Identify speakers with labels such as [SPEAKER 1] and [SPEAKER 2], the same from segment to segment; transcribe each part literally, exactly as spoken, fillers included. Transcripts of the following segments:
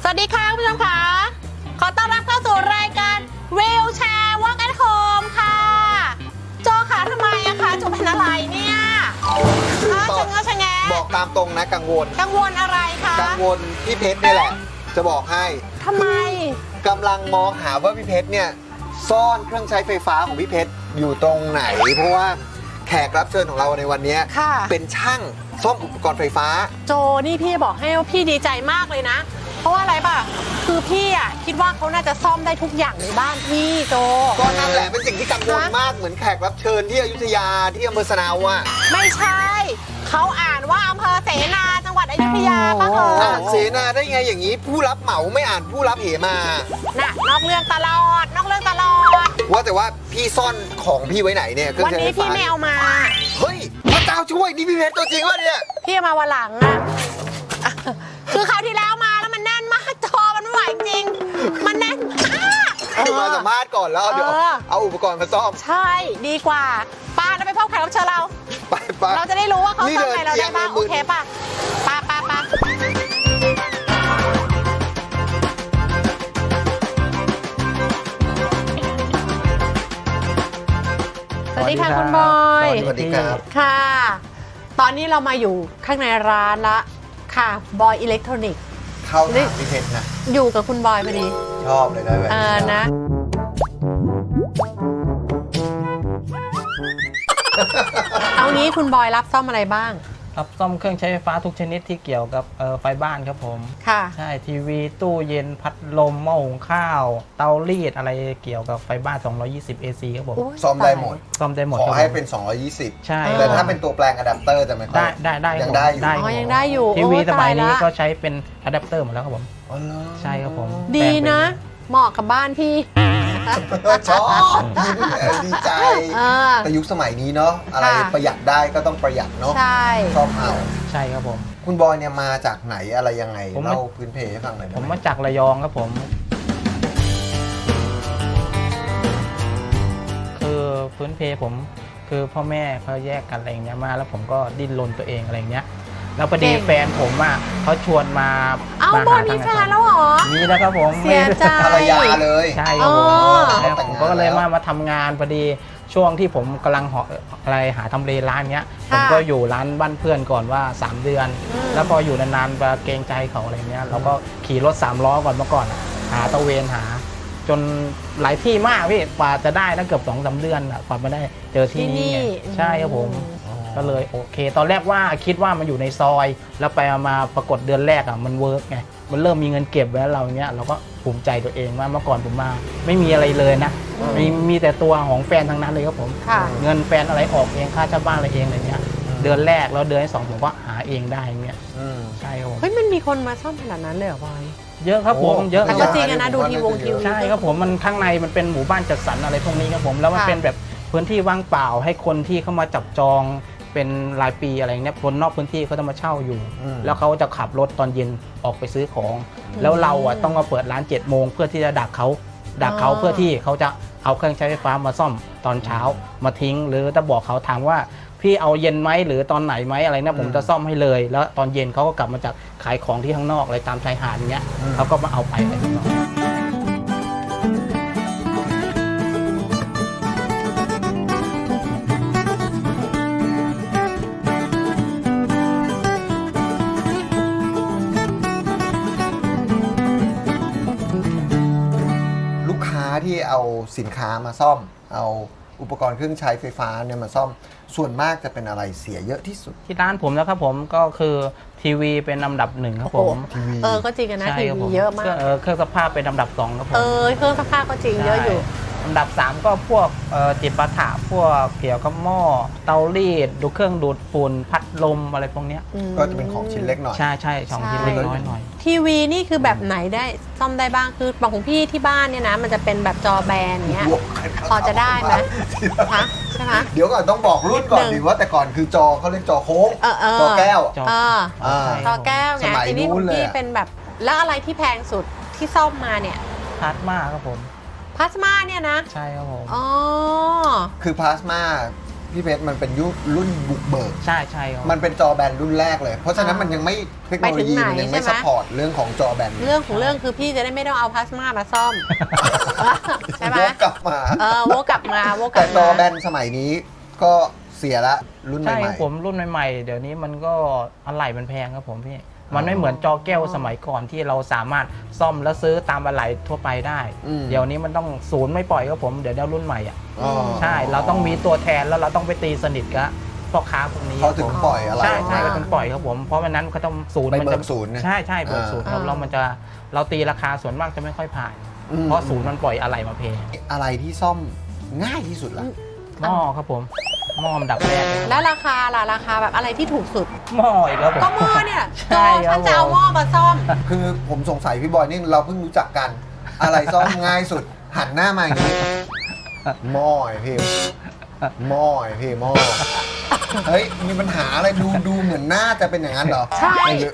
[SPEAKER 1] วัสดีค่ะคุณผู้ชมค่ะขอต้อนรับเข้าสู่รายการวิวแชร์ Walk at Home ค่ะโจค่ะทำไมอะคะโจเป็นอะไรเนี่ยชะเง้อชะแง
[SPEAKER 2] บอกตามตรงนะกังวล
[SPEAKER 1] กังวลอะไรคะ
[SPEAKER 2] กังวลพี่เพชรนี่แหละจะบอกให้
[SPEAKER 1] ทำไม
[SPEAKER 2] กำลังมองหาว่าพี่เพชรเนี่ยซ่อนเครื่องใช้ไฟฟ้าของพี่เพชรอยู่ตรงไหนเพราะว่าแขกรับเชิญของเราในวันนี้เป็นช่างซ่อมอุปกรณ์ไฟฟ้า
[SPEAKER 1] โจนี่พี่บอกให้ว่าพี่ดีใจมากเลยนะเพราะว่าอะไรป่ะคือพี่อ่ะคิดว่าเขาน่าจะซ่อมได้ทุกอย่างในบ้านพี่โจ
[SPEAKER 2] ก็นั่นแหละเป็นสิ่งที่กังวลมากเหมือนแขกรับเชิญที่อยุธยาที่อำเภอสะนาวอ่ะ
[SPEAKER 1] ไม่ใช่เขาอ่านว่าอำเภอเสนาจังหวัดอยุธยาป่ะเหรอ
[SPEAKER 2] อ่านเสนาได้ไงอย่างนี้ผู้รับเหมาไม่อ่านผู้รับเหมา
[SPEAKER 1] น่ะนอกเรื่องตลอดนอกเรื่องตลอด
[SPEAKER 2] ว่าแต่ว่าพี่ซ่อนของพี่ไว้ไหนเนี่ย
[SPEAKER 1] วันนี้พี่ไม่เอามา
[SPEAKER 2] เฮ้ยพระเจ้าช่วยนี่พี่เพชรตัวจริงวะเนี่ย
[SPEAKER 1] พี่เอามาวันหลังอะคือคราวที่แล้วมาแล้วมันแน่นมากจอมันไม่ไหวจริงมันแน่นมาก
[SPEAKER 2] คือมาสัมภาษณ์ก่อนแล้วเดี๋ยวเอาอุปกรณ์มาซ่อม
[SPEAKER 1] ใช่ดีกว่าป้าเราไปพบแขกรับเชิญเรา
[SPEAKER 2] ไปไป
[SPEAKER 1] เราจะได้รู้ว่าเขาซ่อมอะไรเราได้บ้างโอเคป่ะป้าป้าป้าสวัสดีค่ะคุณบอย
[SPEAKER 2] สวัสดีครับ
[SPEAKER 1] ค่ะตอนนี้เรามาอยู่ข้างในร้านละค่ะบอยอิเล็กทรอนิกส์
[SPEAKER 2] เข้าถามพี่เพชรนะ
[SPEAKER 1] อยู่กับคุณบอยพอดี
[SPEAKER 2] ชอบเลยนะแบบ
[SPEAKER 1] นี้นะเอางี้คุณบอยรับซ่อมอะไรบ้าง
[SPEAKER 3] รับซ่อมเครื่องใช้ไฟฟ้าทุกชนิดที่เกี่ยวกับไฟบ้านครับผม
[SPEAKER 1] ค่ะ
[SPEAKER 3] ใช่ทีวีตู้เย็นพัดลมหม้อหุงข้าวเตารีดอะไรเกี่ยวกับไฟบ้านสองร้อยยี่สิบ เอ ซี ครับผม
[SPEAKER 2] ซ่อมได้หมด
[SPEAKER 3] ซ่อมได้หมด
[SPEAKER 2] ขอให้เป็นสองร้อยยี่สิบ
[SPEAKER 3] ใช่
[SPEAKER 2] แต่ถ้าเป็นตัวแปลงอะแดปเตอร์จะไม่ค่อย
[SPEAKER 3] ได้ได้
[SPEAKER 2] ยังได้อยู่
[SPEAKER 1] อ๋อยังได้อยู่
[SPEAKER 3] ทีวีสมัยนี้ก็ใช้เป็นอะแดปเตอร์หมดแล้วครับผมใช่ครับผม
[SPEAKER 1] ดีนะเหมาะกับบ้านพี่
[SPEAKER 2] ชอบดีใจแต่ยุคสมัยนี้เนาะอะไรประหยัดได้ก็ต้องประหยัดเนาะ
[SPEAKER 1] ใช่
[SPEAKER 2] ชอบเอา
[SPEAKER 3] ใช่ครับผม
[SPEAKER 2] คุณบอยเนี่ยมาจากไหนอะไรยังไงเล่าพื้นเพให้ฟังหน่อย
[SPEAKER 3] ผมมาจากระยองครับผมคือพื้นเพผมคือพ่อแม่เขาแยกกันอะไรอย่างเงี้ยมาแล้วผมก็ดิ้นรนตัวเองอะไรอย่างเงี้ยแล้วพอดีแฟนผมอ่ะเขาชวนมา
[SPEAKER 1] เอ้าบอยมีแฟนแล้วเหรอ
[SPEAKER 3] มีแล้วครับผม
[SPEAKER 1] เสียใจ
[SPEAKER 2] ภรรยาเลย
[SPEAKER 3] ใช่ครับผมผมก็เลยมามาทำงานพอดีช่วงที่ผมกำลังหาอะไรหาทำเลร้านเนี้ยผมก็อยู่ร้านบ้านเพื่อนก่อนว่าสามเดือนแล้วพออยู่นานๆไปเกรงใจเขาอะไรเงี้ยเราก็ขี่รถสามล้อก่อนเมื่อก่อนหาตะเวนหาจนหลายที่มากพี่กว่าจะได้นะเกือบสองสามเดือนกว่ามาได้เจอที่นี่ใช่ครับผมก็เลยโอเคตอนแรกว่าคิดว่ามันอยู่ในซอยแล้วไปมาปรากฏเดือนแรกอ่ะมันเวิร์กไงมันเริ่มมีเงินเก็บไว้แล้วเราเนี้ยเราก็ภูมิใจตัวเองว่าเมื่อก่อนผมมาไม่มีอะไรเลยนะมีมีแต่ตัวของแฟนทั้งนั้นเลยครับผมเงินแฟนอะไรออกเองค่าเช่าบ้านอะไรเองอะไรเงี้ยเดือนแรกแล้วเดือนที่สองผมก็หาเองได้เงี้ยใช่ครับผม
[SPEAKER 1] เฮ้ยมันมีคนมาซ่อมขนาดนั้นเลยเหรอบอย
[SPEAKER 3] เยอะครับผมเยอะ
[SPEAKER 1] แต่ก็จริงนะดูทีวงทีวี
[SPEAKER 3] ใช่ครับผมมันข้างในมันเป็นหมู่บ้านจัดสรรอะไรพวกนี้ครับผมแล้วมันเป็นแบบพื้นที่ว่างเปล่าให้คนที่เข้ามาจับจองเป็นรายปีอะไรเงี้ยคนนอกพื้นที่เขาจะมาเช่าอยู่แล้วเขาจะขับรถตอนเย็นออกไปซื้อของแล้วเราอ่ะต้องมาเปิดร้านเจ็ดโมงเพื่อที่จะดักเขาดักเขาเพื่อที่เขาจะเอาเครื่องใช้ไฟฟ้ามาซ่อมตอนเช้ามาทิ้งหรือจะบอกเขาถามว่าพี่เอาเย็นไหมหรือตอนไหนไหมอะไรนะผมจะซ่อมให้เลยแล้วตอนเย็นเขาก็กลับมาจากขายของที่ข้างนอกอะไรตามชายหาดเงี้ยเขาก็มาเอาไปอะไรอย่างเงี้ย
[SPEAKER 2] ที่เอาสินค้ามาซ่อมเอาอุปกรณ์เครื่องใช้ไฟฟ้าเนี่ยมาซ่อมส่วนมากจะเป็นอะไรเสียเยอะที่สุด
[SPEAKER 3] ที่ร้านผมนะครับผมก็คือทีวีเป็นลำดับหนึ่งครับผม
[SPEAKER 1] เออก็จริงนะทีวีเยอะมาก
[SPEAKER 3] เครื่องซักผ้าเป็นลำดับสองครับผม
[SPEAKER 1] เออเครื่องซักผ้าก็จริงเยอะอยู่
[SPEAKER 3] ลำดับสามก็พวกจิปาถะพวกเกี่ยวกับหม้อเตารีดดูเครื่องดูดฝุ่นพัดลมอะไรพวกนี้
[SPEAKER 2] ก็จะเป็นของชิ้นเล็กหน่อย
[SPEAKER 3] ใช่ใช่ของชิ้นเล็กน้อยหน่อย
[SPEAKER 1] ทีวีนี่คือแบบไหนได้ซ่อมได้บ้างคือบางของพี่ที่บ้านเนี่ยนะมันจะเป็นแบบจอแบนเงี้ยพอจะได้ไหมคะใช่ไหม
[SPEAKER 2] เดี๋ยวก่อนต้องบอกรุ่นก่อนดีว่าแต่ก่อนคือจอเขาเรียกจอโค้งจอแก้ว
[SPEAKER 1] จอแก้วไงทีนี้พี่เป็นแบบแล้วอะไรที่แพงสุดที่ซ่อมมาเนี่ย
[SPEAKER 3] พลาสมาครับผม
[SPEAKER 1] พลาสมาเนี่ยนะ
[SPEAKER 3] ใช่ครับผม
[SPEAKER 1] อ๋อ
[SPEAKER 2] คือพลาสมาพี่เพชรมันเป็นยุครุ่นบุกเบิก
[SPEAKER 3] ใช่ใช่ครับ
[SPEAKER 2] มันเป็นจอแบนรุ่นแรกเลย เพราะฉะนั้นมันยังไม่เทคโนโลยีมันยังไม่ซัพพอร์ตเรื่องของจอแบน
[SPEAKER 1] เรื่องของเรื่องคือพี่จะได้ไม่ต้องเอาพลาสมามาซ่อม ใช่ไหม
[SPEAKER 2] วกกลับมา
[SPEAKER 1] เออโวกกลับมาโวกกลั
[SPEAKER 2] แต่
[SPEAKER 1] บ
[SPEAKER 2] จอ
[SPEAKER 1] มา
[SPEAKER 2] แบนสมัยนี้ก็เสียละรุ่นให
[SPEAKER 3] ใช่ค
[SPEAKER 2] ม่
[SPEAKER 3] รับผมรุ่นใหม่ๆ เดี๋ยวนี้มันก็อะไหล่มันแพงครับผมพี่ มันไม่เหมือนจอแก้วสมัยก่อนที่เราสามารถซ่อมแล้วซื้อตามอะไหล่ทั่วไปได้ เดี๋ยวนี้มันต้องศูนย์ไม่ปล่อยครับผมเดี๋ยวเดี๋ยวรุ่นใหม่อ่ะ
[SPEAKER 2] ๆอ๋อ
[SPEAKER 3] ใช่เราต้องมีตัวแทนแล้วเราต้องไปตีสนิทกับพ่อค้าพวกนี้
[SPEAKER 2] เขาถึงปล่อยอะไร
[SPEAKER 3] ใช่ใช่
[SPEAKER 2] ออก
[SPEAKER 3] ก็
[SPEAKER 2] มา
[SPEAKER 3] ถึงปล่อยครับผมเพราะวันนั้นเขาต้องศูนย์
[SPEAKER 2] ไป
[SPEAKER 3] มั
[SPEAKER 2] เบิ
[SPEAKER 3] จะ
[SPEAKER 2] กศูนย์นะ
[SPEAKER 3] ใช่ใช่เบิกศูนย์ครับ
[SPEAKER 1] อ่า
[SPEAKER 3] เรามันจะเราตีราคาส่วนมากจะไม่ค่อยผ่าน
[SPEAKER 2] อืม
[SPEAKER 3] เพราะศูนย์มันปล่อยอะไหล่มาแพง
[SPEAKER 2] อะไรที่ซ่อมง่ายที่สุดล่ะ
[SPEAKER 3] หม้อครับผมหม้ออันดับแรกเลยครับ
[SPEAKER 1] แล้วราคาล่ะราคาแบบอะไรที่ถูกสุด
[SPEAKER 3] หม้ออีกแล้วผม
[SPEAKER 1] ก็หม้อเนี่ย
[SPEAKER 3] ใช่
[SPEAKER 1] โจ
[SPEAKER 3] ครับ
[SPEAKER 1] ฉันจะเอาหม้อมาซ่อม
[SPEAKER 2] คือผมสงสัยพี่บอยนี่เราเพิ่งรู้จักกัน อะไรซ่อมง่ายสุด หันหน้ามาอย่างนี้หม้อไอ้พี่หม้อไอ้พี่หม้อเฮ้ยมีปัญหาอะไรดูดูเหมือนหน้าจะเป็นอย่างนั้นเหรอ
[SPEAKER 1] ใช่
[SPEAKER 2] ไม่เยอะ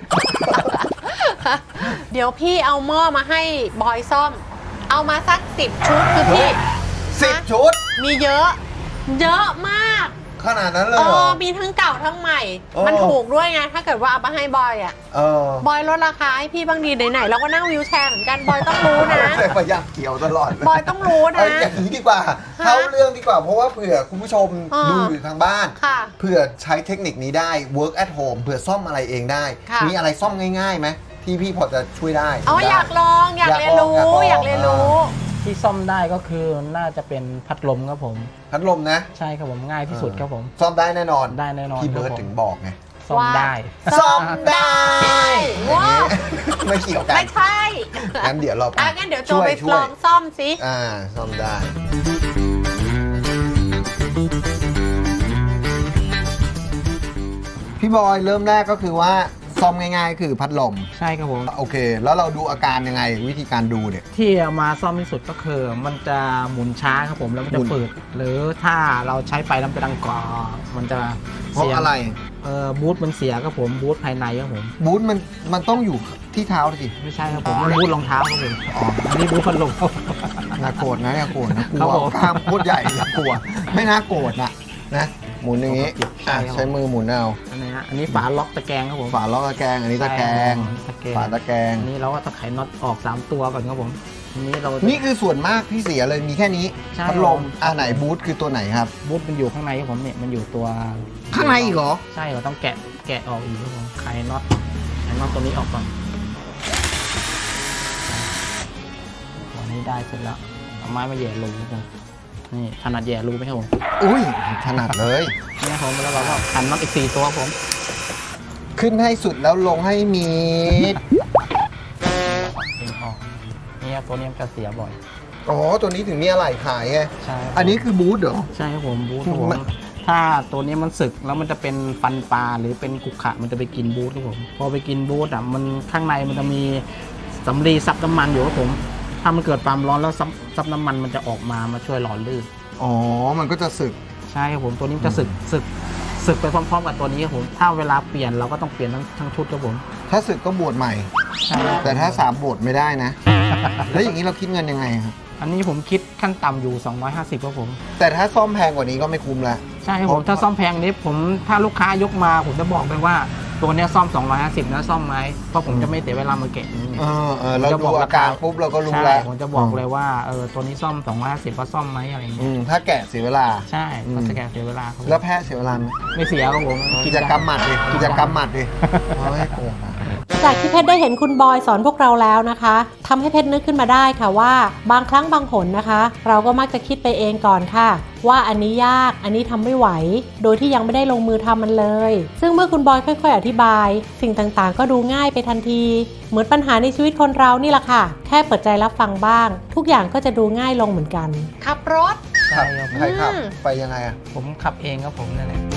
[SPEAKER 1] เดี๋ยวพี่เอาหม้อมาให้บอยซ่อม เอามาสักสิบชุดคือพี่
[SPEAKER 2] สิบชุด
[SPEAKER 1] มีเยอะ เยอะมาก
[SPEAKER 2] ขนาดนั้นเลย
[SPEAKER 1] เอ
[SPEAKER 2] เหรอ
[SPEAKER 1] อมีทั้งเก่าทั้งใหม่
[SPEAKER 2] เออ
[SPEAKER 1] มันถูกด้วยไง ถ้าเกิดว่าเอามาให้บอยอ่ะ
[SPEAKER 2] เออบ
[SPEAKER 1] อยลดราคาให้พี่บ้างดีไหนๆเราก็นั่งวิวแชร์เหมือนกัน บอยต้องรู้นะ
[SPEAKER 2] แต่พยายามเกี่ยวตลอดเลย
[SPEAKER 1] บอยต้องรู้นะ
[SPEAKER 2] เอ้ยอย่างนี้ดีกว่า
[SPEAKER 1] ฮะ
[SPEAKER 2] เข้าเรื่องดีกว่าเพราะว่าเผื่อคุณผู้ชม
[SPEAKER 1] อ่า
[SPEAKER 2] ดูอยู่ทางบ้าน
[SPEAKER 1] ค่ะ
[SPEAKER 2] เผื่อใช้เทคนิคนี้ได้ work at home เผื่อซ่อมอะไรเองได้
[SPEAKER 1] ค่ะ
[SPEAKER 2] มีอะไรซ่อมง่ายๆไหมที่พี่พอจะช่วยได้
[SPEAKER 1] เอา
[SPEAKER 2] ได้
[SPEAKER 1] อยากลองอยากเรียนรู้
[SPEAKER 2] อยากลอง
[SPEAKER 1] อยากเรียนรู้
[SPEAKER 3] ที่ซ่อมได้ก็คือน่าจะเป็นพัดลมครับผม
[SPEAKER 2] พัดลมนะ
[SPEAKER 3] ใช่ครับผมง่ายที่สุดครับผม
[SPEAKER 2] ซ่อมได้แน่นอน
[SPEAKER 3] ได้แน่นอน
[SPEAKER 2] พี่เบิร์ด
[SPEAKER 3] ครับผม
[SPEAKER 2] ถึงบอกไง
[SPEAKER 3] ซ่อมได้
[SPEAKER 2] ซ่อมได้
[SPEAKER 1] ว้าว
[SPEAKER 2] ไม่เกี่ยวกัน
[SPEAKER 1] ไม่ใช่
[SPEAKER 2] งั้นเดี๋ยวเราไป
[SPEAKER 1] อ่ะงั้นเดี๋ยวโจ
[SPEAKER 2] ช่วย
[SPEAKER 1] ไป
[SPEAKER 2] ช่วย
[SPEAKER 1] ลองซ่อมสิ
[SPEAKER 2] อ่าซ่อมได้ พี่บอยเริ่มแรกก็คือว่าซ่อมง่ายๆ คือพัดลม
[SPEAKER 3] ใช่ครับผม
[SPEAKER 2] โอเค แล้วเราดูอาการยังไงวิธีการดูเนี่ย
[SPEAKER 3] ที่เอามาซ่อมที่สุดก็คือมันจะหมุนช้าครับผมแล้วมัน
[SPEAKER 2] หมุ
[SPEAKER 3] จะ
[SPEAKER 2] น
[SPEAKER 3] ฝืดหรือถ้าเราใช้ไปแล้วมันจะดังกรอบมันจะ
[SPEAKER 2] เพราะ
[SPEAKER 3] สียง
[SPEAKER 2] อะไร
[SPEAKER 3] เออบูทมันเสียครับผมบูทภายในครับผม
[SPEAKER 2] บูทมันมันต้องอยู่ที่เท้าสิ
[SPEAKER 3] ไม่ใช่ครับผมมันบูทรองเท้าครับผมอ๋ออันนี้บูทพัดลมครับ
[SPEAKER 2] น่าโกรธนะน่าโกรธนะก
[SPEAKER 3] ครั
[SPEAKER 2] ลั
[SPEAKER 3] บ
[SPEAKER 2] ว
[SPEAKER 3] ผม
[SPEAKER 2] กล้ามโคตรใหญ่น่ากลัว ไม่น่าโกรธนะนะหมุนอย่างนี้
[SPEAKER 3] ใช่
[SPEAKER 2] อ่ะ
[SPEAKER 3] ครับ
[SPEAKER 2] ใช้มือหมุนเอา
[SPEAKER 3] อันนี้ฮะอันนี้ฝาล็อกตะแกรงครับผม
[SPEAKER 2] ฝาล็อกตะแกรงอันนี้ตะแกรง
[SPEAKER 3] ตะแกรง
[SPEAKER 2] ฝาตะแกรง
[SPEAKER 3] อันนี้เราก็ต้องไขน็อตออกสามตัวก่อนครับผมอันนี้เรา
[SPEAKER 2] นี่คือส่วนมากที่เสียเลยมีแค่นี้
[SPEAKER 3] ใช่
[SPEAKER 2] พัดลม
[SPEAKER 3] ครับ
[SPEAKER 2] อ่าไหนบูทคือตัวไหนครับ
[SPEAKER 3] บูทมันอยู่ข้างในครับผมเนี่ยมันอยู่ตัว
[SPEAKER 2] ข้างในอีกเหรอ
[SPEAKER 3] ใช่เราต้องแกะแกะออกอีกครับผมไขน็อตไขน็อตตัวนี้ออกก่อนตัวนี้ได้เสร็จแล้วเอาไม้มาแหย่รูครับผมนี่ถนัดแหย่รูไหมครับผม
[SPEAKER 2] อุ้ยถนัดเลย
[SPEAKER 3] นี่ครับผมแล้วเราก็ขันน็อตอีกสี่ตัวครับผม
[SPEAKER 2] ขึ้นให้สุดแล้วลงให้มีด
[SPEAKER 3] เองออกนี่ครับตัวนี้มันจะเสียบ่อย
[SPEAKER 2] อ๋อตัวนี้ถึงมีอะไรขายไง
[SPEAKER 3] ใช่ครับ
[SPEAKER 2] อันนี้คือบูทเหรอ
[SPEAKER 3] ใช่ครับผมบูทครับผม
[SPEAKER 2] มัน
[SPEAKER 3] ถ้าตัวนี้มันสึกแล้วมันจะเป็นฟันปลาหรือเป็นกุกขะมันจะไปกินบูทครับผมพอไปกินบูทอ่ะมันข้างในมันจะมีสำลีซับน้ำมันอยู่ครับผมถ้ามันเกิดความร้อนแล้วซับซับน้ำมันมันจะออกมามาช่วยหล่อลื่น
[SPEAKER 2] อ๋อมันก็จะสึก
[SPEAKER 3] ใช่ครับผมตัวนี้มันจะสึกสึกสึกไปพร้อมๆกับตัวนี้ครับผมถ้าเวลาเปลี่ยนเราก็ต้องเปลี่ยนทั้งทั้งชุดครับผม
[SPEAKER 2] ถ้าสึกก็บวชใหม่
[SPEAKER 3] ใช่ครับ
[SPEAKER 2] แต่ถ้าสามบวชไม่ได้นะ แล้วอย่างนี้เราคิดเงินยังไงครับ
[SPEAKER 3] อันนี้ผมคิดขั้นต่ำอยู่สองร้อยห้าสิบครับผม
[SPEAKER 2] แต่ถ้าซ่อมแพงกว่านี้ก็ไม่คุ้มละ
[SPEAKER 3] ใช่ครับผมถ้าซ่อมแพงนี้ผมถ้าลูกค้ายกมาผมจะบอกเลยว่าตัวเนี้ยซ่อมสองร้อยห้าสิบนะซ่อมไหมเพราะผมจะไม่เสียเวลามาแกะนี้ไง
[SPEAKER 2] เออเออเราดูอาการปุ๊บเราก็รู้
[SPEAKER 3] ใช่
[SPEAKER 2] แล้ว
[SPEAKER 3] ผมจะบอกเลยว่าเออตัวนี้ซ่อมสองร้อยห้าสิบว่าซ่อมไหมอะไรอย่าง
[SPEAKER 2] อื
[SPEAKER 3] เงี้ย
[SPEAKER 2] มถ้าแกะเสียเวลา
[SPEAKER 3] ใช่
[SPEAKER 2] อืม
[SPEAKER 3] มันจะแกะเสียเวลาครับผม
[SPEAKER 2] แล้วแพ้เสียเวลาไหม
[SPEAKER 3] ไม่เสียครับผม
[SPEAKER 2] กิจกรรมหมัดดิกิจกรรมหมัดดิเฮ้ยโกงอะ
[SPEAKER 1] จากที่เพชรได้เห็นคุณบอยสอนพวกเราแล้วนะคะทำให้เพชรนึกขึ้นมาได้ค่ะว่าบางครั้งบางหนนะคะ เราก็มักจะคิดไปเองก่อนค่ะ ว่าอันนี้ยากอันนี้ทำไม่ไหว โดยที่ยังไม่ได้ลงมือทำมันเลย ซึ่งเมื่อคุณบอยค่อยๆอธิบาย สิ่งต่างๆ ก็ดูง่ายไปทันที เหมือนปัญหาในชีวิตคนเรานี่แหละค่ะ แค่เปิดใจรับฟังบ้าง ทุกอย่างก็จะดูง่ายลงเหมือนกันขับรถ
[SPEAKER 3] ใช่ครับ
[SPEAKER 2] ใครขับ
[SPEAKER 1] อืม
[SPEAKER 2] ไปยังไงอะ
[SPEAKER 3] ผมขับเองครับผมนั่นแหละ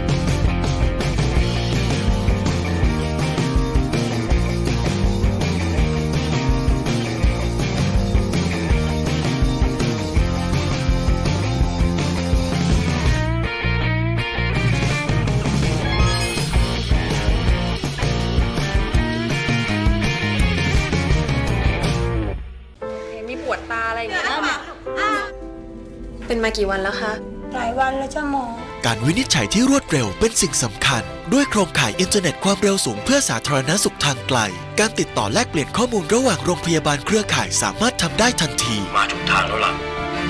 [SPEAKER 4] มีปวดตาอะไรอย่างเงี้ยเป็นมากี่วันแล้วคะ
[SPEAKER 5] หลายวันแล้วจ้าหมอการวินิจฉัยที่รวดเร็วเป็นสิ่งสำคัญด้วยโครงข่ายอินเทอร์เน็ตความเร็วสูงเพื่อสาธารณสุขทางไกลการติดต่อแลกเปลี่ยนข้อมูลระหว่างโรงพยาบาลเครือข่ายสามารถทำได้ทันทีมาถูกทางแล้วล่ะ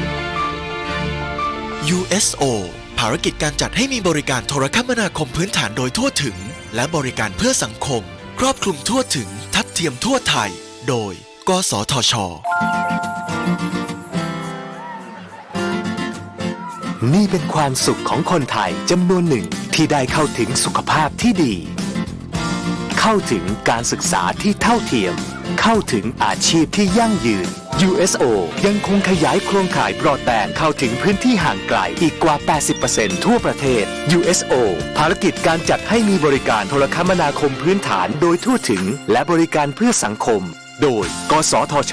[SPEAKER 5] ยู เอส โอ ภารกิจการจัดให้มีบริการโทรคมนาคมพื้นฐานโดยทั่วถึงและบริการเพื่อสังคมครอบคลุมทั่วถึงทัดเทียมทั่วไทยโดยกสทช.
[SPEAKER 6] นี่เป็นความสุขของคนไทยจำนวนหนึ่งที่ได้เข้าถึงสุขภาพที่ดี เข้าถึงการศึกษาที่เท่าเทียม เข้าถึงอาชีพที่ยั่งยืน ยู เอส โอ ยังคงขยายโครงข่ายบรอดแบนด์เข้าถึงพื้นที่ห่างไกลอีกกว่า แปดสิบเปอร์เซ็นต์ ทั่วประเทศ ยู เอส โอ ภารกิจการจัดให้มีบริการโทรคมนาคมพื้นฐานโดยทั่วถึงและบริการเพื่อสังคมโดยกสทช.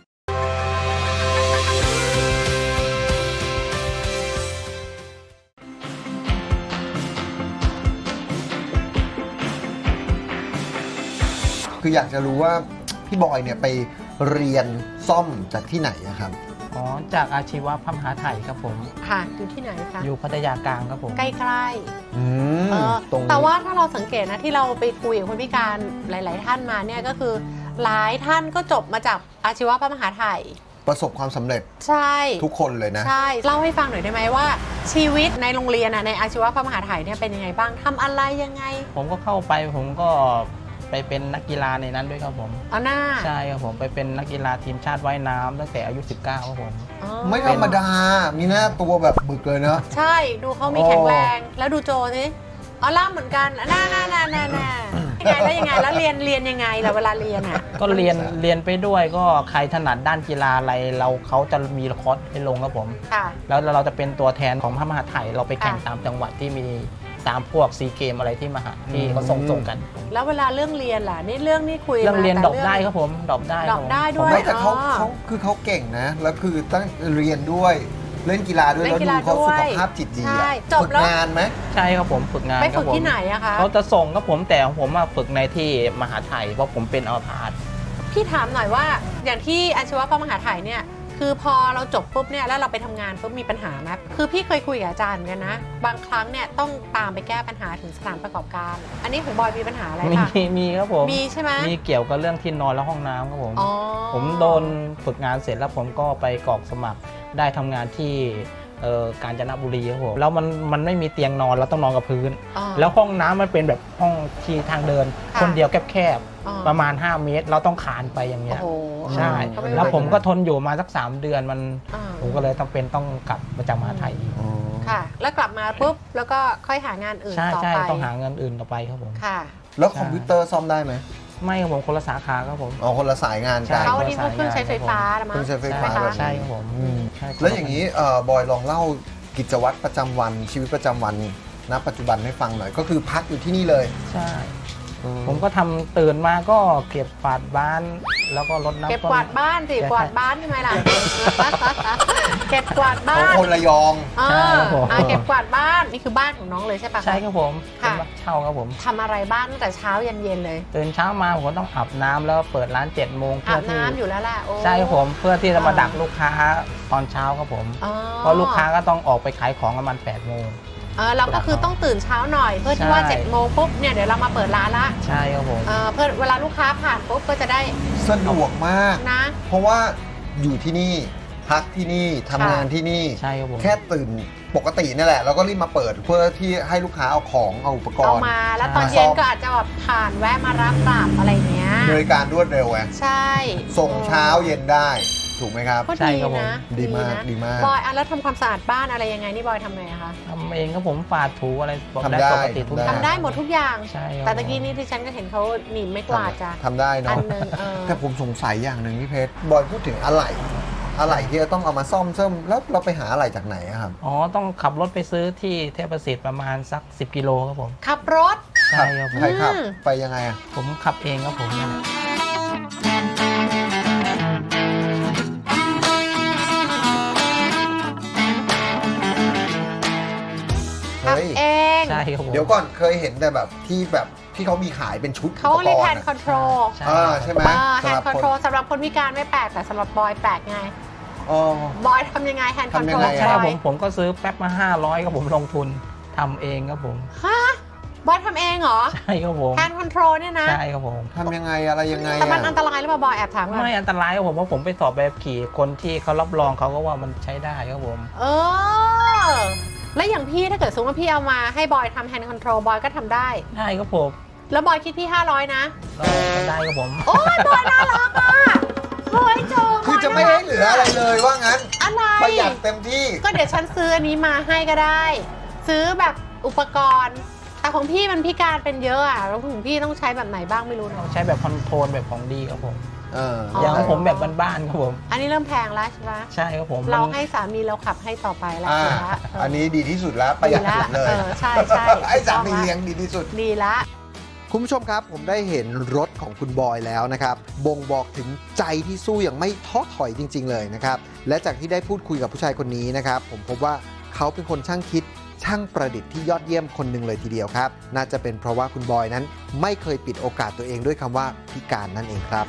[SPEAKER 2] คืออยากจะรู้ว่าพี่บอยเนี่ยไปเรียนซ่อมจากที่ไหนอะครับ
[SPEAKER 3] อ๋อจากอาชีวะพระมหาไทยครับผม
[SPEAKER 1] ค่ะอยู่ที่ไหนคะ
[SPEAKER 3] อยู่พัทยากลางครับผม
[SPEAKER 1] ใกล้ๆ
[SPEAKER 2] อืม
[SPEAKER 1] เออ
[SPEAKER 2] ตรงนี้
[SPEAKER 1] แต่ว่าถ้าเราสังเกตนะที่เราไปคุยกับคนพิการหลาย ๆ ท่านมาเนี่ยก็คือหลายท่านก็จบมาจากอาชีวะพระมหาไทย
[SPEAKER 2] ประสบความสำเร็จ
[SPEAKER 1] ใช่
[SPEAKER 2] ทุกคนเลยนะ
[SPEAKER 1] ใช่เล่าให้ฟังหน่อยได้ไหมว่า ชีวิตในโรงเรียนอะในอาชีวะพระมหาไทยเนี่ยเป็นยังไงบ้างทำอะไรยังไง
[SPEAKER 3] ผมก็เข้าไปผมก็ไปเป็นนักกีฬาในนั้นด้วยครับผม
[SPEAKER 1] เอาหน้า
[SPEAKER 3] ใช่ครับผมไปเป็นนักกีฬาทีมชาติว่ายน้ำตั้งแต่อายุ สิบเก้า ครับผม
[SPEAKER 1] อ๋อ
[SPEAKER 2] ไม่ธรรมดา มีหน้าตัวแบบบึกเลยเนอะ
[SPEAKER 1] ใช่ดูเขามีแข็งแรงแล้วดูโจสิอ๋อล่ามเหมือนกันน่าน่าน่าน่าน่ายังไงแล้วยังไงแล้วเรียนเรียนยังไงล่ะเวลาเรียนอ่ะ
[SPEAKER 3] ก็เรียนเรียนไปด้วยก็ใครถนัดด้านกีฬาอะไรเราเขาจะมีคอร์สให้ลงครับผม
[SPEAKER 1] ค่ะ
[SPEAKER 3] แล้วเราจะเป็นตัวแทนของพระมหาไทยเราไปแข่ง
[SPEAKER 1] ค่ะ
[SPEAKER 3] ตามจังหวัดที่มีตามพวกซีเกมอะไรที่มหาที่เขาส่งส่งกัน
[SPEAKER 1] แล้วเวลาเรื่องเรียนล่ะนี่เรื่องนี่คุย
[SPEAKER 3] เรื่อง
[SPEAKER 1] มา
[SPEAKER 3] เรียน
[SPEAKER 1] แต่
[SPEAKER 3] ดรอปได้ครับผมดรอปได้
[SPEAKER 1] ดรอปได้ด้วย
[SPEAKER 2] ไม่แต่เขา
[SPEAKER 1] อ๋อ
[SPEAKER 2] เขาคือเขาเก่งนะ แล้วคือตั้งเรียนด้วยเล่นกีฬาด้วย
[SPEAKER 1] เล่
[SPEAKER 2] แล้ว
[SPEAKER 1] นกี
[SPEAKER 2] ดู
[SPEAKER 1] ฬา
[SPEAKER 2] เขา
[SPEAKER 1] ด้
[SPEAKER 2] สุ
[SPEAKER 1] วย
[SPEAKER 2] ขภาพจิตดี
[SPEAKER 1] ใช่
[SPEAKER 2] อะ
[SPEAKER 1] จบ
[SPEAKER 2] ฝึก
[SPEAKER 1] แล้ว
[SPEAKER 2] งานไหม
[SPEAKER 3] ใช่ครับผมฝึกงาน
[SPEAKER 1] ไป
[SPEAKER 3] ครั
[SPEAKER 1] ฝึ
[SPEAKER 3] บ
[SPEAKER 1] ก
[SPEAKER 3] ผม
[SPEAKER 1] ที่ไหนอะคะ
[SPEAKER 3] เขาจะส่งครับผมแต่ผมมาฝึกในที่มหาไทยเพราะผมเป็นอัมพาต
[SPEAKER 1] พี่ถามหน่อยว่าอย่างที่อาชีวะพระมหาไทยเนี่ยคือพอเราจบปุ๊บเนี่ยแล้วเราไปทำงานปุ๊บมีปัญหาไหมคือพี่เคยคุยกับอาจารย์กันนะ บางครั้งเนี่ยต้องตามไปแก้ปัญหาถึงสถานประกอบการ อันนี้ของบอยมีปัญหาอะไร
[SPEAKER 3] มี
[SPEAKER 1] คะ
[SPEAKER 3] มีครับผม
[SPEAKER 1] มีใช่ไหม
[SPEAKER 3] มีเกี่ยวกับเรื่องที่นอนและห้องน้ำครับผม
[SPEAKER 1] อ๋อ
[SPEAKER 3] ผมโดนฝึกงานเสร็จแล้วผมก็ไปกรอกสมัครได้ทำงานที่เอ่อกาญจนบุรีครับผมแล้วมันมันไม่มีเตียงนอนเราต้องนอนกับพื้น
[SPEAKER 1] อ๋อ
[SPEAKER 3] แล้วห้องน้ำมันเป็นแบบห้องที่ทางเดิน
[SPEAKER 1] ค่ะ
[SPEAKER 3] คนเดียวแคบ
[SPEAKER 1] อ๋อ
[SPEAKER 3] ๆประมาณห้าเมตร เราต้องขานไปอย่างเงี้
[SPEAKER 1] โอ้
[SPEAKER 3] ย
[SPEAKER 1] โห
[SPEAKER 3] ใช่
[SPEAKER 1] ก็ไไห
[SPEAKER 3] แล้วผมก็ทนอยู่มาสักสามเดือนมัน
[SPEAKER 1] อ่า
[SPEAKER 3] ผมก็เลยต้องเป็นต้องกลับมาจากมหาไทยอีก
[SPEAKER 1] ค่ะ แล้วกลับมาปุ๊บแล้วก็ค่อยหางานอื่น
[SPEAKER 3] ใช่
[SPEAKER 1] ต่อ
[SPEAKER 3] ใช่
[SPEAKER 1] ไป
[SPEAKER 3] ต้องหาเงินอื่นต่อไปครับผม
[SPEAKER 1] ค่ะ
[SPEAKER 2] แล้วคอมพิวเตอร์ซ่อมได้ไหม
[SPEAKER 3] ไม่ครับผมคนละสาขาครับผม
[SPEAKER 2] อ๋อคนละสายงาน
[SPEAKER 3] ใช่
[SPEAKER 2] กัน
[SPEAKER 1] เขาวันนี้พวกเครื่องใช้ไฟฟ้าละมั้
[SPEAKER 2] เครื่องใช้ไฟฟ้า
[SPEAKER 1] ใช่หม
[SPEAKER 2] แบบ
[SPEAKER 1] คะ
[SPEAKER 3] ใช่ครับผม
[SPEAKER 2] อืม
[SPEAKER 3] ใช่ครับ
[SPEAKER 2] แล้วอย่างนี้เอ่อบอยลองเล่ากิจวัตรประจำวันชีวิตประจำวันณปัจจุบันให้ฟังหน่อย ก็คือพักอยู่ที่นี่เลย
[SPEAKER 3] ใช่ ผมก็ทำตื่นมาก็เก็บฝาดบ้านแล้วก็รดน้ำ
[SPEAKER 1] เก็บ
[SPEAKER 3] ต้น
[SPEAKER 1] กวาดบ้านสิ
[SPEAKER 3] ใช่
[SPEAKER 1] กวาดบ้านทำไมล่ะ เก็บกวาดบ้า
[SPEAKER 2] ของ
[SPEAKER 1] น
[SPEAKER 2] คนระยอง
[SPEAKER 1] อ่า
[SPEAKER 3] ใช่ครับผม
[SPEAKER 1] อ่าเก็บกวาดบ้านนี่คือบ้านของน้องเลยใช่ปะ
[SPEAKER 3] ใช่ครับผมเป็
[SPEAKER 1] ค่ะ
[SPEAKER 3] นบ้านเช่าครับผม
[SPEAKER 1] ทำอะไรบ้างตั้งแต่เช้ายันเย็นเลย
[SPEAKER 3] ตื่นเช้ามาผมก็ต้องอาบน้ำแล้วเปิดร้านเจ็ดโมง
[SPEAKER 1] อา
[SPEAKER 3] เพื่อบ ที่
[SPEAKER 1] น้ำอยู่แล้วแหละโอ้
[SPEAKER 3] ใช่ครับผมเพื่อที่จะมา
[SPEAKER 1] อ่า
[SPEAKER 3] ดักลูกค้าตอนเช้าครับผม
[SPEAKER 1] อ๋อ
[SPEAKER 3] เพราะลูกค้าก็ต้องออกไปขายของประมาณแปดโมง
[SPEAKER 1] เออเราก็คือต้องตื่นเช้าหน่อย เพื่อที่ว่า
[SPEAKER 3] ใช่
[SPEAKER 1] เจ็ดโมงปุ๊บเนี่ยเดี๋ยวเรามาเปิดร้านละ
[SPEAKER 3] ใช่ครับผม
[SPEAKER 1] เออเพื่อเวลาลูกค้าผ่านปุ๊บก็จะได้
[SPEAKER 2] สะดวกมาก
[SPEAKER 1] นะ
[SPEAKER 2] เพราะว่าอยู่ที่นี่พักที่นี่ทำงานที่นี่
[SPEAKER 3] ใช่ครับผม
[SPEAKER 2] แค่ตื่นปกตินี่แหละ แล้วก็รีบมาเปิดเพื่อที่ให้ลูกค้าเอาของเอาอุปก
[SPEAKER 1] เอา
[SPEAKER 2] รณ์
[SPEAKER 1] มาแล้วตอนเย็นก็อาจจะแบบผ่านแวะมารับกลับอะไรเงี้ย
[SPEAKER 2] บริการรวดเร็วไง
[SPEAKER 1] ใช่
[SPEAKER 2] ส่งเช้าเย็นได้ถูกไหมครับ
[SPEAKER 1] ก็
[SPEAKER 3] ใช่
[SPEAKER 1] ดี
[SPEAKER 3] ครับผม
[SPEAKER 1] นะ
[SPEAKER 2] ดีมาก
[SPEAKER 1] นะ
[SPEAKER 2] ดีมาก
[SPEAKER 1] บอยอ่ะแล้วทำความสะอาดบ้านอะไรยังไงนี่บอยทำไงอะคะ
[SPEAKER 3] ทำเองครับผมฝาดถูอะไร
[SPEAKER 2] ทำได้
[SPEAKER 3] ปกติทุกอย่าง
[SPEAKER 1] ทำได้หมดทุกอย่าง
[SPEAKER 3] ใช่ครับ
[SPEAKER 1] แต่ตะกี้นี่ที่ฉันก็เห็นเขาหนีบไม่กวาดจ้ะ
[SPEAKER 2] ทำได้
[SPEAKER 1] อั
[SPEAKER 2] เนาะ
[SPEAKER 1] นหนึงเออ
[SPEAKER 2] แต่ผมสงสัยอย่างหนึ่งพี่เพชรบอยพูดถึงอะไหล่อะไหล่ที่จะต้องเอามาซ่อมเสริมแล้วเราไปหาอะไหล่จากไหนอะครับ
[SPEAKER 3] อ๋อต้องขับรถไปซื้อที่เทพประสิทธิ์ประมาณสักสิบกิโลครับผม
[SPEAKER 1] ขับรถ
[SPEAKER 3] ใช่ครับผม
[SPEAKER 2] ใครขับ
[SPEAKER 1] อืม
[SPEAKER 2] ไปยังไงอะ
[SPEAKER 3] ผมขับเองครับผมเนี่ย
[SPEAKER 1] ขับ
[SPEAKER 2] เฮ้ย
[SPEAKER 1] เอง
[SPEAKER 3] ใช่ครับผม
[SPEAKER 2] เดี๋ยวก่อนเคยเห็นแต่แบบที่แบบที่เขามีขายเป็นชุด
[SPEAKER 1] เขา
[SPEAKER 2] อุป
[SPEAKER 1] เรียก
[SPEAKER 2] ก
[SPEAKER 1] แฮ
[SPEAKER 2] ร
[SPEAKER 1] น
[SPEAKER 2] ณ์
[SPEAKER 1] ด์
[SPEAKER 2] อะ
[SPEAKER 1] คอนโทรล
[SPEAKER 3] ใช่
[SPEAKER 2] อ่าใช่ไหม
[SPEAKER 1] แฮนด์คอนโทรลสำหรับคนพิการไม่แปลกแต่สำหรับบอยแปลกไง
[SPEAKER 2] อ๋อบ
[SPEAKER 1] อยทำยังไงแฮนด์คอนโทรล
[SPEAKER 2] ทำยังไง
[SPEAKER 3] ใช่
[SPEAKER 2] อะ
[SPEAKER 3] ครับ
[SPEAKER 1] บ
[SPEAKER 3] ผ
[SPEAKER 1] อย
[SPEAKER 3] มผมก็ซื้อแป๊บมาห้าร้อยครับผมลงทุนทำเองครับผม
[SPEAKER 1] ฮะบอยทำเองเหรอ
[SPEAKER 3] ใช่ครับผม
[SPEAKER 1] แฮนด์คอนโทรลเนี่ยนะ
[SPEAKER 3] ใช่ครับผม
[SPEAKER 2] ทำยังไงอะไรยังไง
[SPEAKER 1] แต่มัน
[SPEAKER 2] อะ
[SPEAKER 1] อันตรายหรือเปล่าบอยแอบถามก่อน
[SPEAKER 3] ไม่อันตรายครับผมเพราะผมไปสอบแบบขี่คนที่เขารับรองเขาก็ว่ามันใช้ได้ครับผม
[SPEAKER 1] เออแล้วอย่างพี่ถ้าเกิดสมมติว่าพี่เอามาให้บอยทำแฮนด์คอนโทรลบอยก็ทำได้
[SPEAKER 3] ได้ครับผม
[SPEAKER 1] แล้วบอยคิดพี่ห้าร้อยนะ
[SPEAKER 3] ก็ได้ครับผม
[SPEAKER 1] โอ้ยบอยน่ารักอ่ะเฮ้ยโจ
[SPEAKER 2] คือจะไม่ให้เหลืออะไรเลยว่างั้น
[SPEAKER 1] อะไร
[SPEAKER 2] ประหยัดเต็มที่
[SPEAKER 1] ก็เดี๋ยวฉันซื้ออันนี้มาให้ก็ได้ ซื้อแบบอุปกรณ์แต่ของพี่มันพิการเป็นเยอะอ่ะแล้วของพี่ต้องใช้แบบไหนบ้างไม่รู้
[SPEAKER 3] ต้
[SPEAKER 1] เนาะ
[SPEAKER 3] องใช้แบบคอนโทรลแบบของดีครับผม
[SPEAKER 2] เออ
[SPEAKER 1] อ๋อ
[SPEAKER 3] อย่างของผมแบบบ้านๆครับผม
[SPEAKER 1] อันนี้เริ่มแพงแล้วใช่ไหม
[SPEAKER 3] ใช่ครับผม
[SPEAKER 1] เรา
[SPEAKER 3] มัน
[SPEAKER 1] ให้สามีเราขับให้ต่อไปแล้ว
[SPEAKER 2] อ่า
[SPEAKER 1] ดีละเ
[SPEAKER 2] อันนี้ดีที่สุดแล้วประหยัด
[SPEAKER 1] ดีละ
[SPEAKER 2] สุดเลย
[SPEAKER 1] เออใช่ใช่
[SPEAKER 2] ไอ้สามีเลี้ยงดีที่สุด
[SPEAKER 1] ดีละ
[SPEAKER 2] คุณผู้ชมครับผมได้เห็นรถของคุณบอยแล้วนะครับบ่งบอกถึงใจที่สู้อย่างไม่ท้อถอยจริง ๆ เลยนะครับและจากที่ได้พูดคุยกับผู้ชายคนนี้นะครับผมพบว่าเขาเป็นคนช่างคิดช่างประดิษฐ์ที่ยอดเยี่ยมคนหนึ่งเลยทีเดียวครับน่าจะเป็นเพราะว่าคุณบอยนั้นไม่เคยปิดโอกาสตัวเองด้วยคำว่าพิการนั่นเองครับ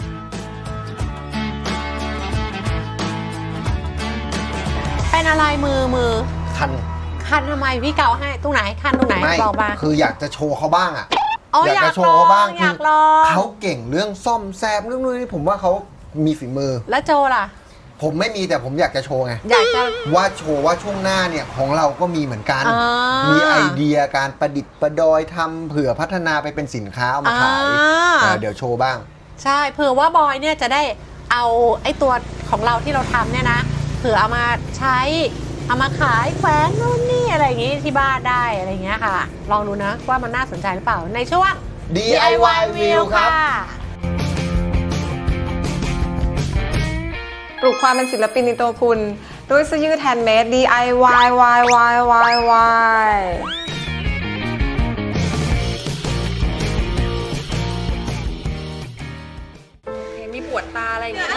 [SPEAKER 1] เป็นอะไรมือมือ
[SPEAKER 2] คัน
[SPEAKER 1] คันทำไมพี่เกาให้ตรงไหนคันตรงไหน
[SPEAKER 2] ไม่
[SPEAKER 1] บอกมา
[SPEAKER 2] คืออยากจะโชว์เขาบ้างอ่ะ
[SPEAKER 1] อ๋ออยาก
[SPEAKER 2] จะโชว์เขาบ้าง
[SPEAKER 1] อยากลอง
[SPEAKER 2] เขาเก่งเรื่องซ่อมแซมเรื่องนู้นนี่ผมว่าเขามีฝีมือ
[SPEAKER 1] แล้วโจล่ะ
[SPEAKER 2] ผมไม่มีแต่ผมอยากจะโชว์ไง
[SPEAKER 1] อยากจะ
[SPEAKER 2] ว่าโชว์ว่าช่วงหน้าเนี่ยของเราก็มีเหมือนกัน
[SPEAKER 1] อ่ามี
[SPEAKER 2] มีไอเดียการประดิษฐ์ประดอยทำเผื่อพัฒนาไปเป็นสินค้าเอามาขาย
[SPEAKER 1] อ่า
[SPEAKER 2] เออเดี๋ยวโชว์บ้าง
[SPEAKER 1] ใช่เผื่อว่าบอยเนี่ยจะได้เอาไอ้ตัวของเราที่เราทำเนี่ยนะเผื่อเอามาใช้เอามาขายแขวนนู่นนี่อะไรอย่างงี้ที่บ้านได้อะไรอย่างเงี้ยค่ะ ลองดูนะว่ามันน่าสนใจหรือเปล่าในช่วง
[SPEAKER 2] ดี ไอ วาย View ครับ
[SPEAKER 4] ปลุกความเป็นศิลปินในตัวคุณด้วยเสื้อยืดแฮนด์เมด ดี ไอ วาย วาย วาย วาย วาย มีปวดตาอะไรอย่างเงี้ย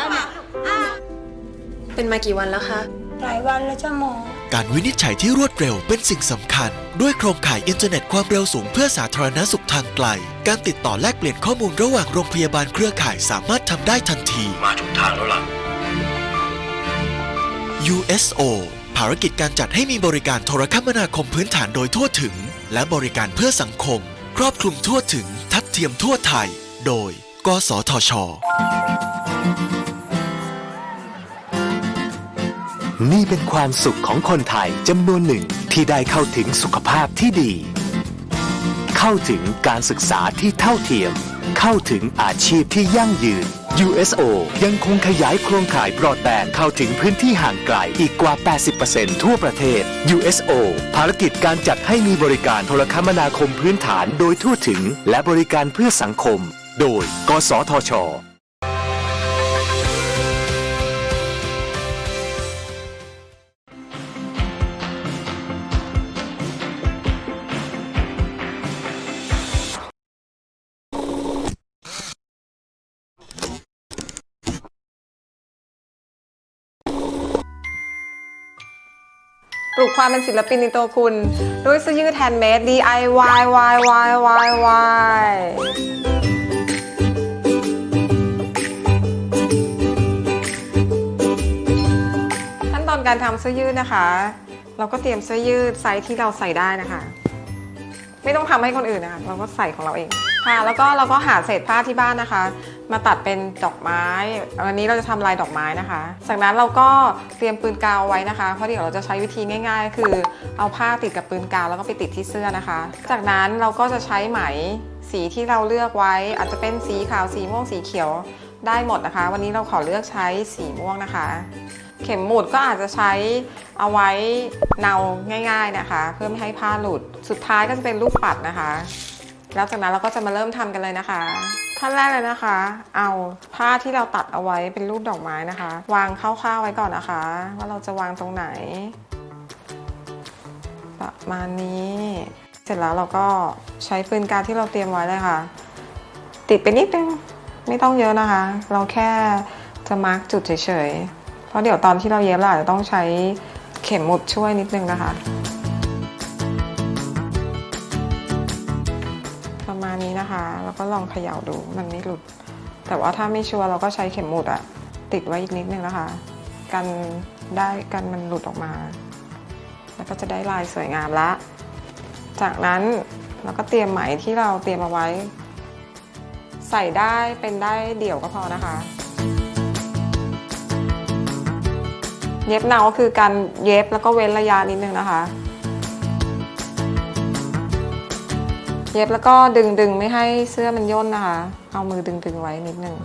[SPEAKER 4] เป็นมากี่วันแล้วคะ
[SPEAKER 7] หลายวันแล้วจ้าหมอ
[SPEAKER 5] การวินิจฉัยที่รวดเร็วเป็นสิ่งสำคัญ ด้วยโครงข่ายอินเทอร์เน็ตความเร็วสูงเพื่อสาธารณสุขทางไกล การติดต่อแลกเปลี่ยนข้อมูลระหว่างโรงพยาบาลเครือข่ายสามารถทำได้ทันที มาถูกทางแล้วล่ะ ยู เอส โอ ภารกิจการจัดให้มีบริการโทรคมนาคมพื้นฐานโดยทั่วถึง และบริการเพื่อสังคม ครอบคลุมทั่วถึง ทัดเทียมทั่วไทย โดย กสทช.
[SPEAKER 6] นี่เป็นความสุขของคนไทยจำนวนหนึ่งที่ได้เข้าถึงสุขภาพที่ดี เข้าถึงการศึกษาที่เท่าเทียม เข้าถึงอาชีพที่ยั่งยืน ยู เอส โอ ยังคงขยายโครงข่ายบรอดแบนด์เข้าถึงพื้นที่ห่างไกลอีกกว่า แปดสิบเปอร์เซ็นต์ ทั่วประเทศ ยู เอส โอ ภารกิจการจัดให้มีบริการโทรคมนาคมพื้นฐานโดยทั่วถึงและบริการเพื่อสังคม โดย กสทช.
[SPEAKER 4] ปลุกความเป็นศิลปินในตัวคุณด้วยเสื้อยืดแฮนด์เมด ดี ไอ วาย วาย วาย วาย วาย ขั้นตอนการทำเสื้อยืดนะคะ เราก็เตรียมเสื้อยืดไซส์ที่เราใส่ได้นะคะ ไม่ต้องทำให้คนอื่นนะคะเราก็ใส่ของเราเองค่ะแล้วก็เราก็หาเศษผ้าที่บ้านนะคะ มาตัดเป็นดอกไม้วันนี้เราจะทำลายดอกไม้นะคะจากนั้นเราก็เตรียมปืนกาวไว้นะคะเพราะเดี๋ยวเราจะใช้วิธีง่ายๆ คือเอาผ้าติดกับปืนกาวแล้วก็ไปติดที่เสื้อนะคะ จากนั้นเราก็จะใช้ไหมสีที่เราเลือกไว้อาจจะเป็นสีขาวสีม่วงสีเขียวได้หมดนะคะ วันนี้เราขอเลือกใช้สีม่วงนะคะ เข็มหมุดก็อาจจะใช้เอาไว้เนาง่ายๆนะคะเพื่อไม่ให้ผ้าหลุดสุดท้ายก็จะเป็นลูกปัดนะคะแล้วจากนั้นเราก็จะมาเริ่มทำกันเลยนะคะขั้นแรกเลยนะคะ เอาผ้าที่เราตัดเอาไว้เป็นรูปดอกไม้นะคะ วางคร่าวๆไว้ก่อนนะคะว่าเราจะวางตรงไหนประมาณนี้เสร็จแล้วเราก็ใช้ปืนกาวที่เราเตรียมไว้เลยค่ะติดไปนิดนึงไม่ต้องเยอะนะคะเราแค่จะมาร์กจุดเฉยๆเพราะเดี๋ยวตอนที่เราเย็บเราอาจจะต้องใช้เข็มหมุดช่วยนิดนึงนะคะประมาณนี้นะคะแล้วก็ลองเขย่าดูมันไม่หลุดแต่ว่าถ้าไม่ชัวร์เราก็ใช้เข็มหมุดอะติดไว้อีกนิดนึงนะคะกันได้กันมันหลุดออกมาแล้วก็จะได้ลายสวยงามละจากนั้นเราก็เตรียมไหมที่เราเตรียมเอาไว้ ใส่ได้เป็นได้เดี่ยวก็พอนะคะ เย็บเนาก็คือการเย็บแล้วก็เว้นระยะนิดนึงนะคะ เย็บแล้วก็ดึงดึงไม่ให้เสื้อมันย่นนะคะ เอามือดึงดึงไว้นิดนึง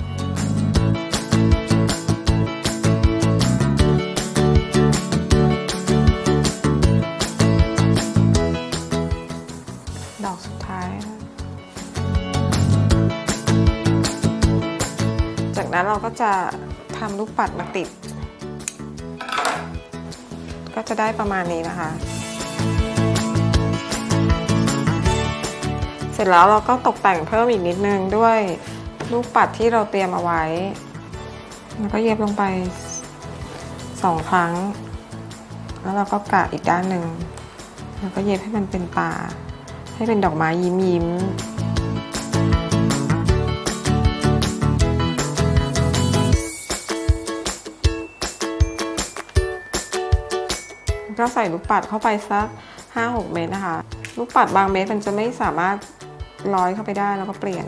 [SPEAKER 4] ดอกสุดท้าย จากนั้นเราก็จะทำลูกปัดมาติด ก็จะได้ประมาณนี้นะคะ เสร็จแล้วเราก็ตกแต่งเพิ่มอีกนิดนึงด้วยลูกปัดที่เราเตรียมเอาไว้ แล้วก็เย็บลงไปสองครั้ง แล้วเราก็กะอีกด้านหนึ่งแล้วก็เย็บให้มันเป็นตาให้เป็นดอกไม้ยิ้มยิ้มก็ใส่ลูกปัดเข้าไปสัก ห้าหก เม็ดนะคะ ลูกปัดบางเม็ดมันจะไม่สามารถร้อยเข้าไปได้แล้วก็เปลี่ยน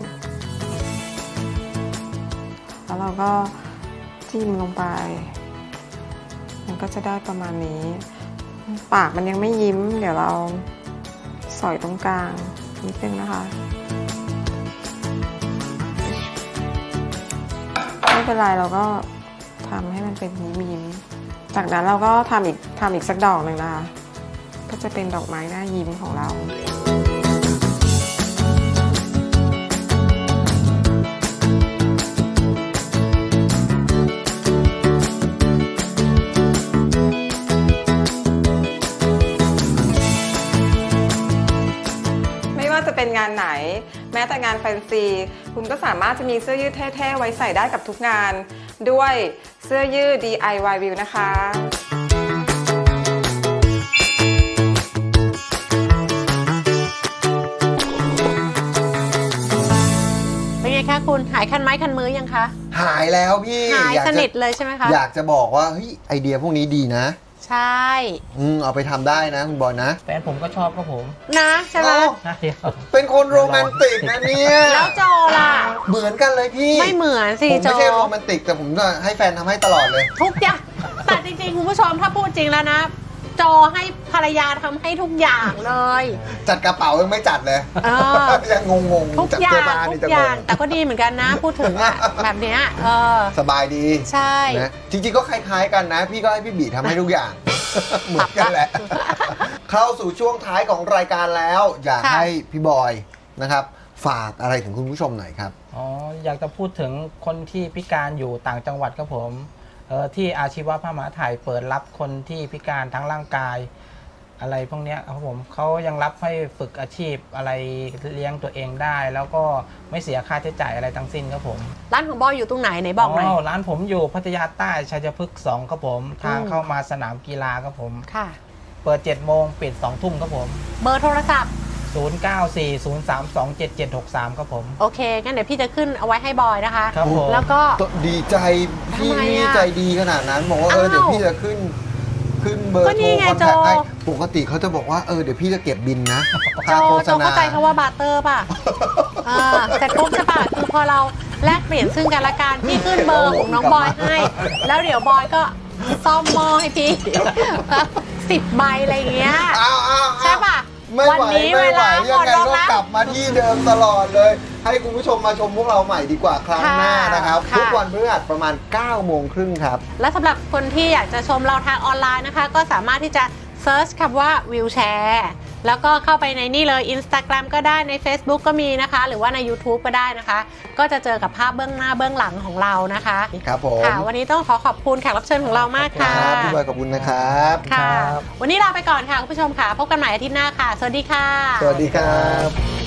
[SPEAKER 4] แล้วเราก็จิ้มลงไป มันก็จะได้ประมาณนี้ ปากมันยังไม่ยิ้ม เดี๋ยวเราสอยตรงกลางนิดนึงนะคะ ไม่เป็นไรเราก็ทำให้มันเป็นยิ้มยิ้มจากนั้นเราก็ทำอีกทำอีกสักดอกหนึ่งนะคะ ก็จะเป็นดอกไม้หน้ายิ้มของเรา ไม่ว่าจะเป็นงานไหน แม้แต่งานแฟนซี คุณก็สามารถจะมีเสื้อยืดเท่ๆไว้ใส่ได้กับทุกงาน ด้วยเสื้อยืด ดี ไอ วาย View นะคะ
[SPEAKER 1] เป็นไงคะคุณหายคันไม้คันมือยังคะ
[SPEAKER 2] หายแล้วพี่
[SPEAKER 1] หาย
[SPEAKER 2] อยาก
[SPEAKER 1] ส
[SPEAKER 2] จะ
[SPEAKER 1] นิทเลยใช่ไหมคะ
[SPEAKER 2] อยากจะบอกว่าเฮ้ยไอเดียพวกนี้ดีนะ
[SPEAKER 1] ใช่
[SPEAKER 2] อืมเอาไปทำได้นะคุณบอยนะ
[SPEAKER 3] แฟนผมก็ชอบครับผม
[SPEAKER 1] นะใช่ไหม
[SPEAKER 2] เอ้า
[SPEAKER 3] ใช่ครับ
[SPEAKER 2] เป็นคนโรแมนติกนะเนี่ย
[SPEAKER 1] แล้วโจล่ะ
[SPEAKER 2] เหมือนกันเลยพี่
[SPEAKER 1] ไม่เหมือนสิ
[SPEAKER 2] ผม
[SPEAKER 1] โจ
[SPEAKER 2] ไม่ใช่โรแมนติกแต่ผมจะให้แฟนทำให้ตลอดเลย
[SPEAKER 1] ทุกอย่างแต่จริงๆคุณผู้ชมถ้าพูดจริงแล้วนะ โจให้ภรรยาทำให้ทุกอย่างเลย
[SPEAKER 2] จัดกระเป๋ายังไม่จัดเลย
[SPEAKER 1] เออ
[SPEAKER 2] ยังงง
[SPEAKER 1] ทุก
[SPEAKER 2] ๆจัด
[SPEAKER 1] อย่า
[SPEAKER 2] เสื้อง ผ้า
[SPEAKER 1] ทุ
[SPEAKER 2] นี่
[SPEAKER 1] ก
[SPEAKER 2] จะ
[SPEAKER 1] อง ย่าง
[SPEAKER 2] ง
[SPEAKER 1] แต่ก็ดีเหมือนกันนะ พูดถึงอะแบบเนี้ยเออ
[SPEAKER 2] สบายดี
[SPEAKER 1] ใช่
[SPEAKER 2] นะจริงๆก็คล้ายๆกันนะ พี่ก็ให้พี่บีทำให้ทุกอย่าง เหมือนกันแหละ เข้าสู่ช่วงท้ายของรายการแล้ว อยาก
[SPEAKER 1] ค่ะ
[SPEAKER 2] ให้พี่บอยนะครับ ฝากอะไรถึงคุณผู้ชมหน่อยครับ
[SPEAKER 3] อ๋ออยากจะพูดถึงคนที่พิการอยู่ต่างจังหวัดครับผมเออที่อาชีวะพระมหาไทยเปิดรับคนที่พิการทั้งร่างกาย อะไรพวกเนี้ยครับผมเขายังรับให้ฝึกอาชีพอะไรเลี้ยงตัวเองได้ แล้วก็ไม่เสียค่าใช้จ่ายอะไรทั้งสิ้นครับผม
[SPEAKER 1] ร้านของบอยอยู่ตรงไหนไหนบอกหน่อย
[SPEAKER 3] ร้านผมอยู่พัทยาใต้ชัยพฤกษ์สองครับผมทางเข้ามาสนามกีฬาครับผม
[SPEAKER 1] ค่ะ
[SPEAKER 3] เปิดเจ็ดโมงปิดสองทุ่มครับผม
[SPEAKER 1] เบอร์โทรศัพท์
[SPEAKER 3] ศูนย์ เก้า สี่ ศูนย์ สาม สอง เจ็ด เจ็ด หก สามครับผม
[SPEAKER 1] โอเคงั้นเดี๋ยวพี่จะขึ้นเอาไว้ให้บอยนะคะ
[SPEAKER 3] ครับผม
[SPEAKER 1] แล้วก็
[SPEAKER 2] ดีใจพี่
[SPEAKER 1] ทำไมอะ
[SPEAKER 2] นี่ใจดีขนาดนั้นบอกว่าเออ
[SPEAKER 1] อ้าว
[SPEAKER 2] เดี๋ยวพี่จะขึ้นขึ้นเบอร์
[SPEAKER 1] ก็
[SPEAKER 2] โท
[SPEAKER 1] นี่
[SPEAKER 2] ร
[SPEAKER 1] ไง
[SPEAKER 2] คอนแทคให้
[SPEAKER 1] โจ
[SPEAKER 2] ปกติเขาจะบอกว่าเออเดี๋ยวพี่จะเก็บบินนะ
[SPEAKER 1] โจ
[SPEAKER 2] ค่าโฆษ
[SPEAKER 1] โจ
[SPEAKER 2] ณา
[SPEAKER 1] เข้าใจคำว่าบาร์เตอร์ป่ะเออเสร็จปุ๊บใช่ป่ะคือพอเราแลกเปลี่ยนซึ่งกันและกันพี่ขึ้นเบอร์ของน้องบอยให้ แล้วเดี๋ยวบอยก็ซ่อมหม้อให้พี่ สิบใบอะไรอย่างเงี้ย
[SPEAKER 2] อ้าวอ้าว
[SPEAKER 1] ใช่ป่ะ
[SPEAKER 2] ไม่
[SPEAKER 1] วั
[SPEAKER 2] ไหว
[SPEAKER 1] นี้
[SPEAKER 2] ไม่
[SPEAKER 1] เว
[SPEAKER 2] ไหว
[SPEAKER 1] ลาหม
[SPEAKER 2] ยัง
[SPEAKER 1] ด
[SPEAKER 2] ไง
[SPEAKER 1] ลง
[SPEAKER 2] ก็
[SPEAKER 1] แล้ว
[SPEAKER 2] กลับมาที่เดิมตลอดเลย ให้คุณผู้ชมมาชมพวกเราใหม่ดีกว่าครั้งหน้านะครับ
[SPEAKER 1] ค่ะ
[SPEAKER 2] ทุกวันพฤหัสประมาณเก้าโมงครึ่งครับ
[SPEAKER 1] และสำหรับคนที่อยากจะชมเราทางออนไลน์นะคะ ก็สามารถที่จะเซิร์ชคำว่าวิวแชร์แล้วก็เข้าไปในนี่เลย Instagram ก็ได้ใน Facebook ก็มีนะคะ หรือว่าใน YouTube ก็ได้นะคะ ก็จะเจอกับภาพเบื้องหน้าเบื้องหลังของเรานะคะ
[SPEAKER 2] ครับผม
[SPEAKER 1] ค่ะ วันนี้ต้องขอขอบคุณแขกรับเชิญของเรามากค่ะ
[SPEAKER 2] ครับพี่บอยขอบคุณนะครับ
[SPEAKER 1] ค่ะ
[SPEAKER 3] ครับ
[SPEAKER 1] วันนี้ลาไปก่อนค่ะคุณผู้ชมค่ะ พบกันใหม่อาทิตย์หน้าค่ะ สวัสดีค่ะ
[SPEAKER 2] สวัสดีครับ